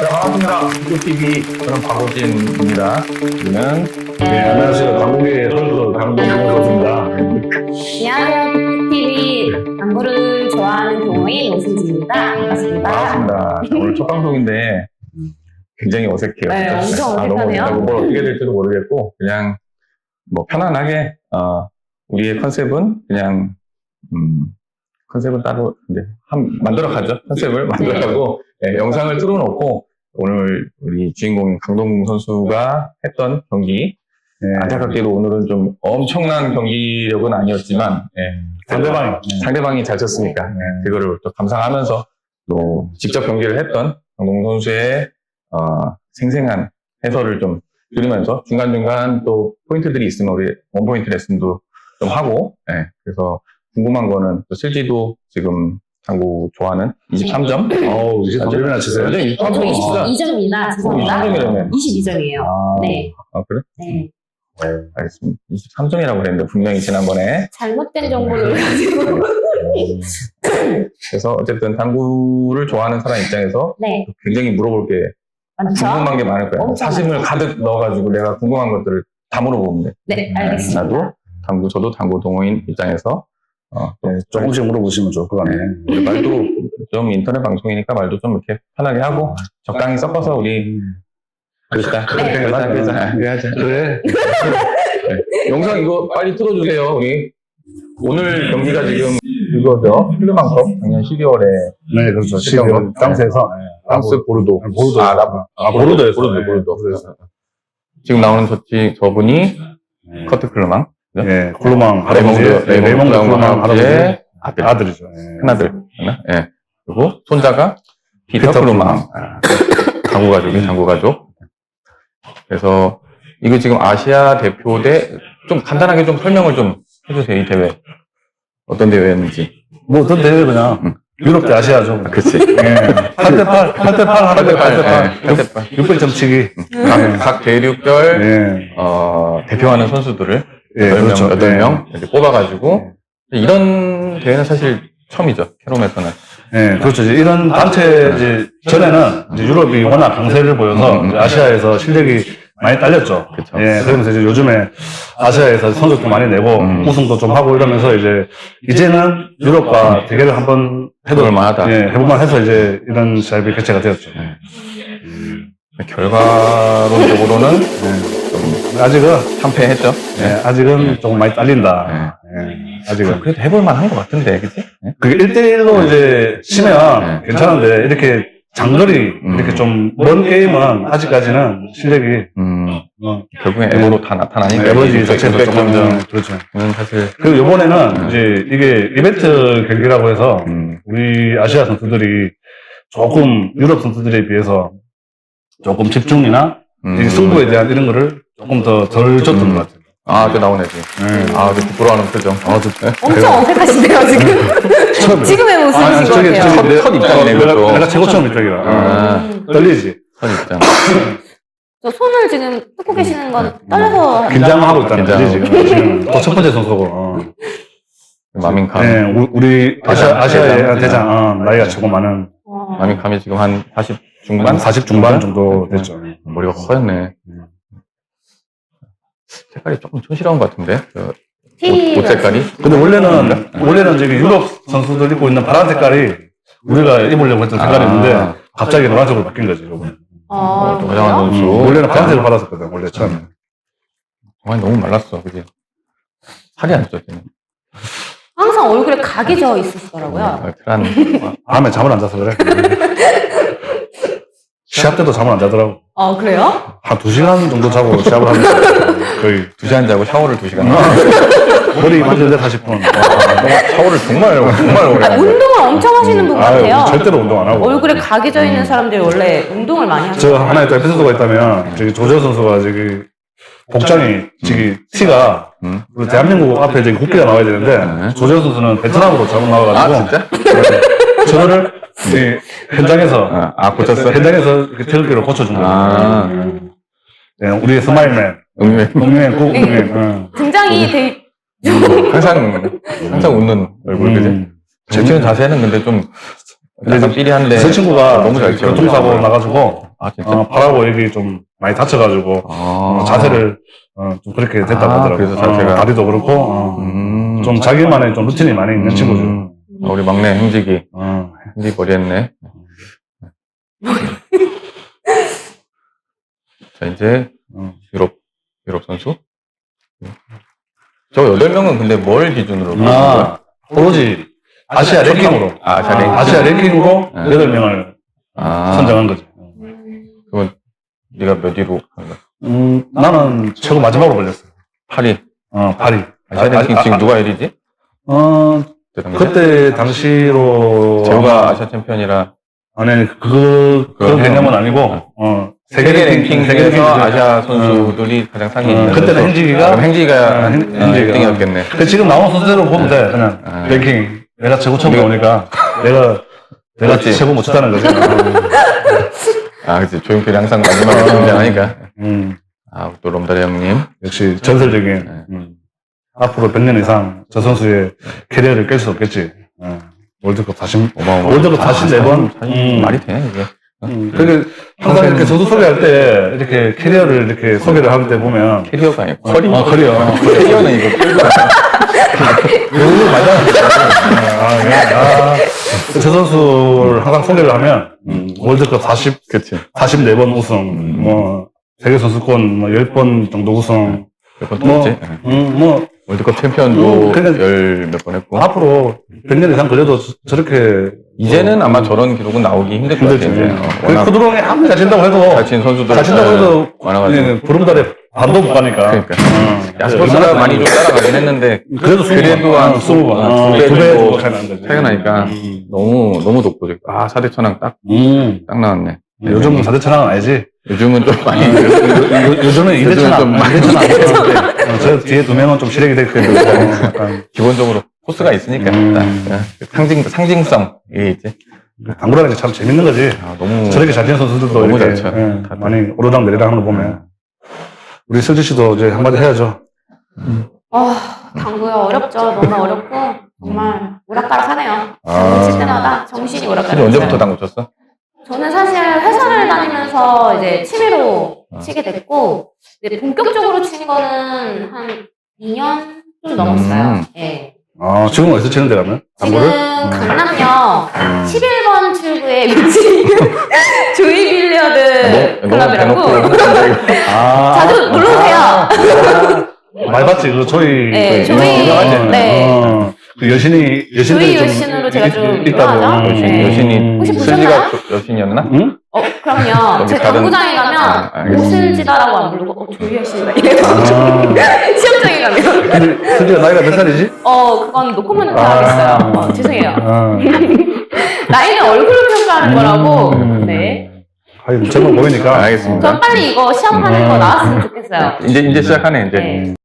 네, 반갑습니다. 유튜브TV 저는 박오진입니다. 여기는 네, 안녕하세요. 강국의 선수 강동훈입니다. 안녕하세요. TV 당구를 좋아하는 동호인 오승진입니다. 반갑습니다. 반갑습니다. 자, 오늘 첫 방송인데 굉장히 어색해요. 네, 엄청 어색하네요. 너무 뭘 어떻게 될지도 모르겠고 그냥 뭐 편안하게 우리의 컨셉은 그냥 컨셉은 따로 이제 만들어 가죠. 컨셉을 만들어 가고 네, 영상을 틀어놓고 오늘 우리 주인공인 강동궁 선수가 했던 경기 안타깝게도 오늘은 좀 엄청난 경기력은 아니었지만 상대방이 잘 쳤으니까 그거를 또 감상하면서 또 직접 경기를 했던 강동궁 선수의 생생한 해설을 좀 들으면서 중간중간 또 포인트들이 있으면 우리 원포인트 레슨도 좀 하고 그래서 궁금한 거는 또 실지도 지금 당구 좋아하는 23점? 23점이나 치세요? 22점입니다. 죄송합니다. 23점이라면 22점이에요. 네. 그래? 네. 알겠습니다. 23점이라고 그랬는데 분명히 지난번에 잘못된 정보를 가지고. 그래서 어쨌든 당구를 좋아하는 사람 입장에서 네. 굉장히 물어볼 게 많죠? 궁금한 게 많을 거예요. 엄청 사심을 많죠. 가득 넣어가지고 내가 궁금한 것들을 다 물어보면 돼. 네, 알겠습니다. 나도 저도 당구 동호인 입장에서 조금씩 물어보시면 좋을 것 같네요. 우리 말도 좀 인터넷 방송이니까 말도 좀 이렇게 편하게 하고 적당히 섞어서 우리 그러자. 그래야지. 그래. 영상 이거 빨리 틀어주세요. 우리 오늘 경기가 지금 이거죠. 필르만컵 작년 12월에 네, 그렇죠. 12월 프랑스에서 프랑스 보르도. 보르도였어요. 보르도. 지금 나오는 저분이 커트 클르망. 네, 콜로망 레몽드 콜로망 할아버지의 아들이죠. 큰아들. 예. 그리고 손자가 피터 클루망. 당구 가족이 당구 가족. 그래서 이거 지금 아시아 대표대 좀 간단하게 좀 설명을 좀 해주세요. 이 대회 어떤 대회였는지. 뭐 어떤 대회 그냥 유럽 대 아시아죠. 그치. 8대8 600점치기. 각 대륙별 대표하는 선수들을 8명 이렇게 뽑아가지고 이런 대회는 사실 처음이죠. 캐롬에서는. 네, 그렇죠. 이제 이런 단체 이제 전에는 이제 유럽이 워낙 강세를 보여서 이제 아시아에서 실력이 많이 딸렸죠. 그쵸. 예, 그러면서 이제 요즘에 아시아에서 성적도 많이 내고 우승도 좀 하고 이러면서 이제는 유럽과 대결을 한번 해볼만하다. 해볼만 해서 이제 이런 시합이 개최가 되었죠. 결과론적으로는 아직은 참패했죠. 아직은 조금 많이 딸린다. 아직은. 그래도 해볼만 한 것 같은데, 그치? 그게 1대1로 이제 치면 괜찮은데 이렇게 장거리 이렇게 좀 먼 게임은 아직까지는 실력이 결국엔 에버로 다 나타나니까. 에버지 자체도 조금 그렇죠. 사실. 그리고 이번에는 이제 이게 이벤트 경기라고 해서 우리 아시아 선수들이 조금 유럽 선수들에 비해서 조금 집중이나 이 승부에 대한 이런 거를 조금 더 덜 줬던 것 같아요. 저 나오네, 지금. 저 부끄러워하는 표정. 엄청 어색하시네요, 지금. 지금의 모습이신 것 같아요. 첫 입장이네, 그것도. 내가 최고 처음 입장이라. 떨리지. 첫 입장. 저 손을 지금 뜯고 계시는 건 떨려서. 긴장하고 있다는 거지, 긴장하고. 지금. 또 첫 번째 선수고. 마민캄. 네, 우리 아시아의 대장, 나이가 최고 많은. 마민캄이 지금 한 40 중반? 40 중반 정도 됐죠. 머리가 허였네. 색깔이 조금 촌스러운 것 같은데? 옷 색깔이? 근데 원래는 저기 유럽 선수들 입고 있는 파란 색깔이 우리가 입으려고 했던 색깔이었는데 갑자기 노란색으로 바뀐 거지, 요번에. 화장한 선수. 원래는 파란색을 받았었거든, 원래 처음에. 정말 너무 말랐어, 그지? 살이 안 쪄, 지금. 항상 얼굴에 각이 져 있으시더라고요. 밤에 잠을 안 자서 그래. 시합 때도 잠을 안 자더라고. 그래요? 한 2시간 정도 자고 시합을 하면서 거의 2시간 자고 샤워를 2시간. 머리 만지는데 40분. 샤워를 정말 오래 하는 운동을 엄청 하시는 분 같아요. 절대로 운동 안 하고. 얼굴에 각이 져 있는 사람들이 원래 운동을 많이 하죠. 저 하나의 또 에피소드가 있다면, 저기 조재호 선수가 저기 복장이, 저기 티가, 우리 대한민국 앞에 저기 국기가 나와야 되는데, 조재호 선수는 베트남으로 잘못 나와가지고. 진짜? 저거를 현장에서 고쳤어? 현장에서 이렇게 태극기로 고쳐준 거예요. 네, 우리의 스마일맨, 응맨. 등장이 되게 항상 웃는 얼굴, 그지? 잘 치는 자세는 근데 좀 약간 삐리한데. 그 친구가 너무 잘 쳐. 교통사고 나가지고 아, 진짜? 팔하고 여기 좀 많이 다쳐가지고, 자세를, 좀 그렇게 됐다고 하더라고요. 그래서 자세가. 다리도 그렇고, 좀 자기만의 좀 루틴이 많이 있는 친구죠. 우리 막내 행직이. 행직이 머리했네. 자, 이제, 유럽 선수. 저 8명은 근데 뭘 기준으로? 보는 거야? 오로지 아시아 랭킹으로. 아시아 랭킹. 아시아 랭킹으로 8명을 선정한 거지. 그건 네가 몇 위로 한 거야? 나는 최고 마지막으로 걸렸어. 8위. 8위. 아시아 랭킹 지금 누가 1위지? 그때 당시로. 제우가 아시아 챔피언이라. 아니, 그런 개념은 아니고, 세계 랭킹에서 랭킹 아시아 선수들이 가장 상위에 있는. 그때는 행직이가. 행지가 1등이었겠네. 지금 나온 선수대로 보면 돼, 그냥. 랭킹. 내가 최고 처음 나오니까, 내가 그렇지. 최고 못 쳤다는 거지. 그치. 조용필이 항상 마지막에 등장하니까. 또 롬다리 형님. 역시 전설적인. 앞으로 100년 이상 저 선수의 캐리어를 깰 수 없겠지. 월드컵 44번. 말이 돼, 이게. 그게 항상 이렇게 선수 소개할 때 이렇게 캐리어를 이렇게 소개를 할 때 보면 캐리어가 아니고 커리어. 커리어. 캐리어는 이거 이거 맞아. 저 선수를 항상 소개를 하면 월드컵 44번 우승, 뭐 세계 선수권 10번 정도 우승, 몇번 했지? 월드컵 챔피언도 열 몇 번 했고. 앞으로 100년 이상 걸려도 저렇게 이제는 아마 저런 기록은 나오기 힘들 것 같아요. 이제. 그 코드롱이 아무리 잘 친다고 해도 잘 친 선수들 잘 친다고 해도 많아가지고. 보름달에 반도 못 가니까. 그러니까. 야스퍼스가 많이 좀 따라가긴 했는데 그래도 한 20번, 두 배 정도 차이 차이가 나니까 너무 높거든. 4대 천왕 딱 나왔네. 요즘은 4대 천왕은 아니지. 요즘은 좀 많이. 요즘은 2대 좀 천왕. 많이. 2대 천왕. 저 뒤에 2명은 좀 실력이 되기 때문에. 약간 기본적으로 코스가 있으니까. 상징성. 이게 있지. 당구라는 게 참 재밌는 거지. 너무. 저렇게 잘 치는 선수들도 너무 이렇게 잘 쳐. 많이 오르락 내리락 하는 거 보면. 우리 슬지 씨도 이제 한마디 해야죠. 당구요. 어렵죠. 너무 어렵고, 정말 오락가락하네요. 칠 때마다 정신이 오락가락. 언제부터 당구 쳤어? 저는 사실 회사를 다니면서 이제 취미로 치게 됐고, 이제 본격적으로 친 거는 한 2년 좀 넘었어요. 예. 지금 어디서 치는데 가면? 지금 당구를? 강남역 11번 출구에 위치한 조이 빌리어드 클럽이라고. 자주 놀러 오세요. 많이 봤지, 그 조이. 네, 조이. 네. 그 여신들이 조이 좀 여신으로 제가 좀 있다고. 유명하죠? 네. 여신이. 혹시 슬기가 보셨나요? 여신이었나? 응? 그럼요. 여기 제 다른- 당구장에 가면 알겠습니다. 오슬지다라고 안 부르고 조이 여신이다 이래가지고 시험장에 가면 근데 슬기가 나이가 몇 살이지? 그건 노코멘트 하겠어요. 죄송해요. 아. 나이는 얼굴로 평가하는 거라고. 네. 하긴 젊어 보이니까. 알겠습니다. 전 빨리 이거 시험하는 거 나왔으면 좋겠어요. 이제 시작하네, 이제. 네.